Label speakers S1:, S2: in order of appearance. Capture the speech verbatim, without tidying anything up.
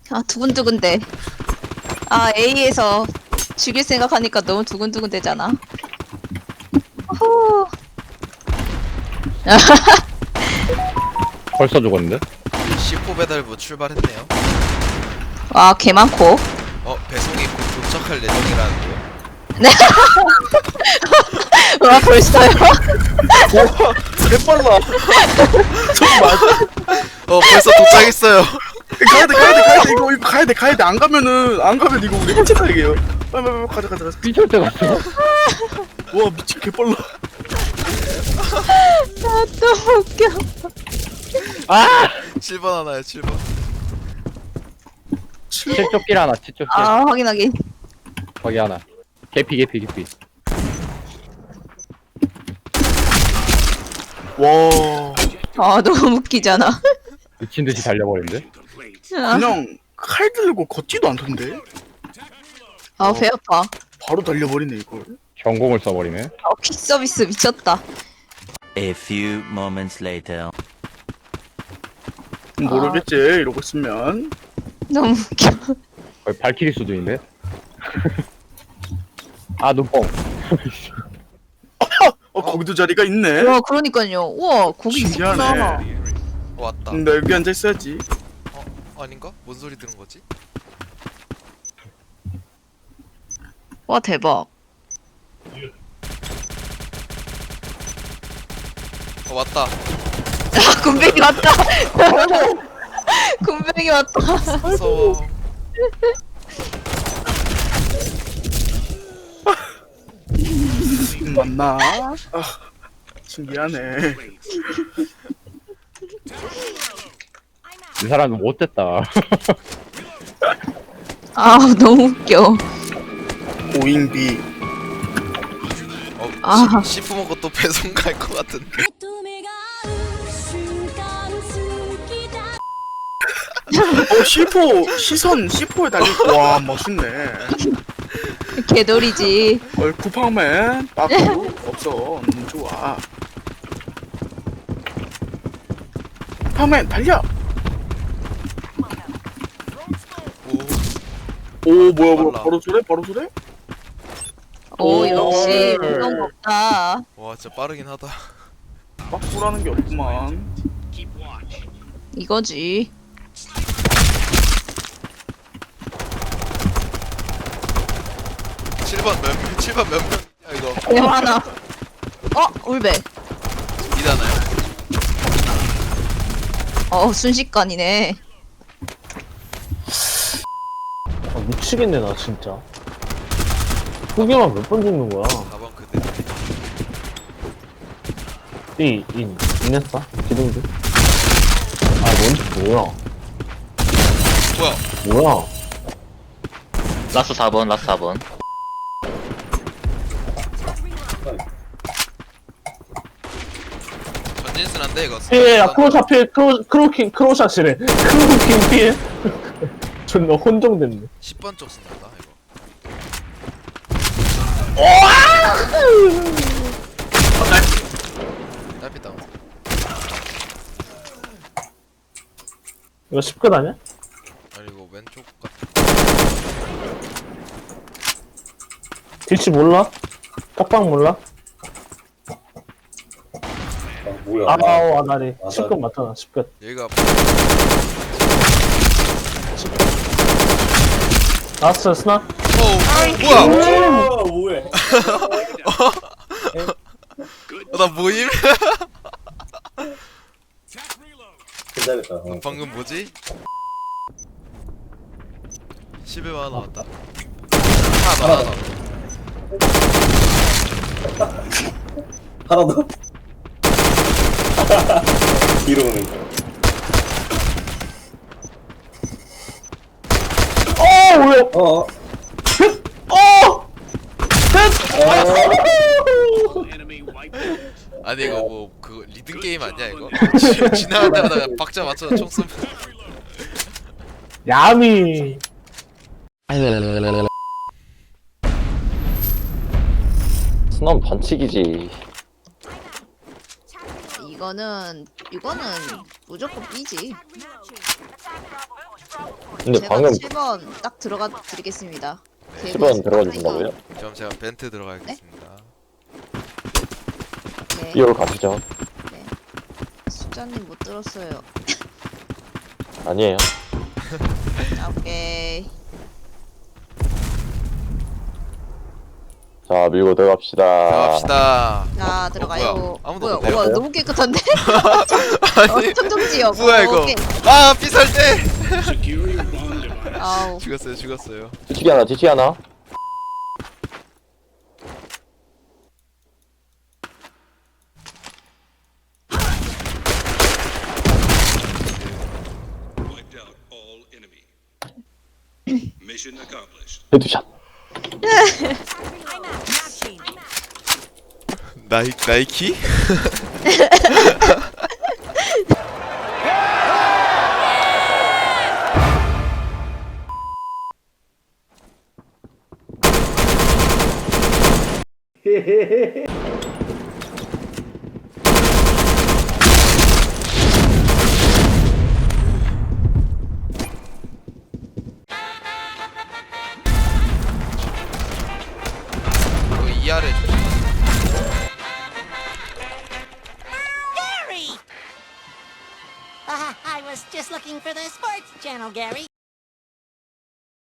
S1: 아 두근두근대. 아 A에서 죽일 생각하니까 너무 두근두근대잖아. 후.
S2: 벌써 죽었는데?
S3: 씨포 배달부 출발했네요.
S1: 와 개 많고.
S3: 어, 배송이 곧 도착할 예정이라는데요.
S1: 와 벌써요?
S4: 개빨라. 저 맞아.
S3: 어, 벌써 도착했어요.
S4: 가야돼 가야돼 가야돼 이거 이거 가야돼 가야돼 안 가면은 안 가면 이거 우리 해체 가야게요. 빨리 빨리 빨리 가자 가자 가자.
S2: 삐질 때 갔어.
S4: 와 미친 개빨라.
S1: 아 너무 웃겨.
S2: 아!
S3: 칠 번 하나요, 칠 번.
S2: 칠쪽길 하나, 칠쪽길.
S1: 아 확인하긴.
S2: 거기 하나. 개피, 개피, 개피.
S4: 와
S1: 아 너무 웃기잖아.
S2: 미친 듯이 달려버린데?
S4: 그냥 칼 들고 걷지도 않던데.
S1: 아 배 아파.
S4: 바로 달려버리네 이걸.
S2: 경공을 써버리네.
S1: 아 퀵 서비스 미쳤다.
S5: A few moments later.
S4: 모르겠지 이러고 있으면.
S1: 너무 웃겨.
S2: 거의 발키리 수준인데? 아, 눈뽕.
S4: 어 거기도 자리가 있네.
S1: 와 그러니까요. 우와 거기
S4: 신기하네.
S1: 있구나.
S3: 어, 왔다.
S4: 나 여기 앉아 있어야지.
S3: 어, 아닌가? 뭔 소리 들은 거지?
S1: 와 대박.
S3: 어, 왔다.
S1: 아 군뱅이 왔다. 군뱅이 왔다.
S3: 무서워.
S4: 음, 맞나? 아 신기하네.
S2: 이 사람은 못됐다.
S1: 아 너무 웃겨.
S4: 오잉비.
S3: 어,
S1: 아.
S3: 씨, 씨포 먹고 또 배송 갈 것 같은데.
S4: 어 씨포 시선 씨포에 달리. 와 멋있네.
S1: 개돌이지.
S4: 어 쿠팡맨 빠꾸 없어. 너무 좋아. 쿠팡맨 달려.
S3: 오,
S4: 오 뭐야 뭐야
S3: 빨라.
S4: 바로 소래 바로 소래?
S1: 오
S4: 오.
S1: 역시 무서운 거 없다.
S3: 와, 진짜 빠르긴 하다.
S4: 빠꾸라는 게 없구만.
S1: 이거지.
S3: 칠 번 몇 명? 칠 번 몇 명? 야, 이거
S1: 개 많아. 어 울베.
S3: 이잖아요.
S1: 어 순식간이네.
S6: 아, 미치겠네 나 진짜. 후기만 몇 번 죽는 거야.
S3: 사 번 그대.
S6: 이, 인, 인했어? 기둥들. 아, 뭔, 뭐야.
S3: 뭐야?
S6: 뭐야.
S7: 라스 사 번, 라스 사 번.
S3: 전진순한데 이거.
S6: 피해, 야, 크로샷 피해, 크로, 크로킹, 크로샷이래. 크로킹 피해. 존나 혼종됐네.
S3: 십 번 쪽 쓴다 이거. 딸피 다운.
S6: 이거 십 컷 아니야?
S3: 아니 이거 왼쪽 같은.
S6: 딜치 몰라? 깍방 몰라?
S8: 뭐야?
S6: 아우, 아다리.
S8: 아다리.
S6: 십 컷 맞잖아, 십 컷.
S3: 여기가
S6: 라스트 스나?
S3: 오 뭐야?
S8: 아, 뭐해?
S3: 어, 나 모임?
S8: 기다렸다. 어.
S3: 방금 뭐지? 십일만 원 나왔다. 하나 더 하나 더.
S8: 하나 더. 뒤로 오는 거.
S6: 어, 뭐야.
S8: 어.
S6: 어!
S3: 아니 이거 뭐 그거 리듬 게임 아니야 이거? 지- 지나갈 때마다 그냥 박자 맞춰서 총 쏘면.
S6: 야미.
S7: 스놈 반칙이지.
S1: 이거는 이거는 무조건 B지.
S7: 근데
S1: 제가
S7: 방금
S1: 칠 번 딱 들어가 드리겠습니다.
S7: 십 번 들어가 주신다고요?
S3: 그럼 제가 벤트 들어가겠습니다.
S1: 네.
S7: 삐올 가시죠.
S1: 수자님 못 들었어요.
S7: 아니에요.
S1: 아, 오케이.
S7: 자, 밀고 들어갑시다.
S3: 들어갑시다.
S1: 자, 들어가요.
S3: 뭐야? 아무도
S1: 뭐야?
S3: 없네요.
S1: 우와, 너무 깨끗한데?
S3: 아니
S1: 어, 청정지역.
S3: 뭐야
S1: 어,
S3: 이거?
S1: 오케이.
S3: 아 삐살때.
S1: 아우.
S3: 죽었어요 죽었어요.
S7: 뒤치기 하나, 뒤치기 하나.
S9: Wiped out all enemy. Mission accomplished.
S7: 헤드샷.
S3: 나이 나이키? 여기 이 아래 조심.
S10: Gary! Uh, I was just looking for the sports channel, Gary.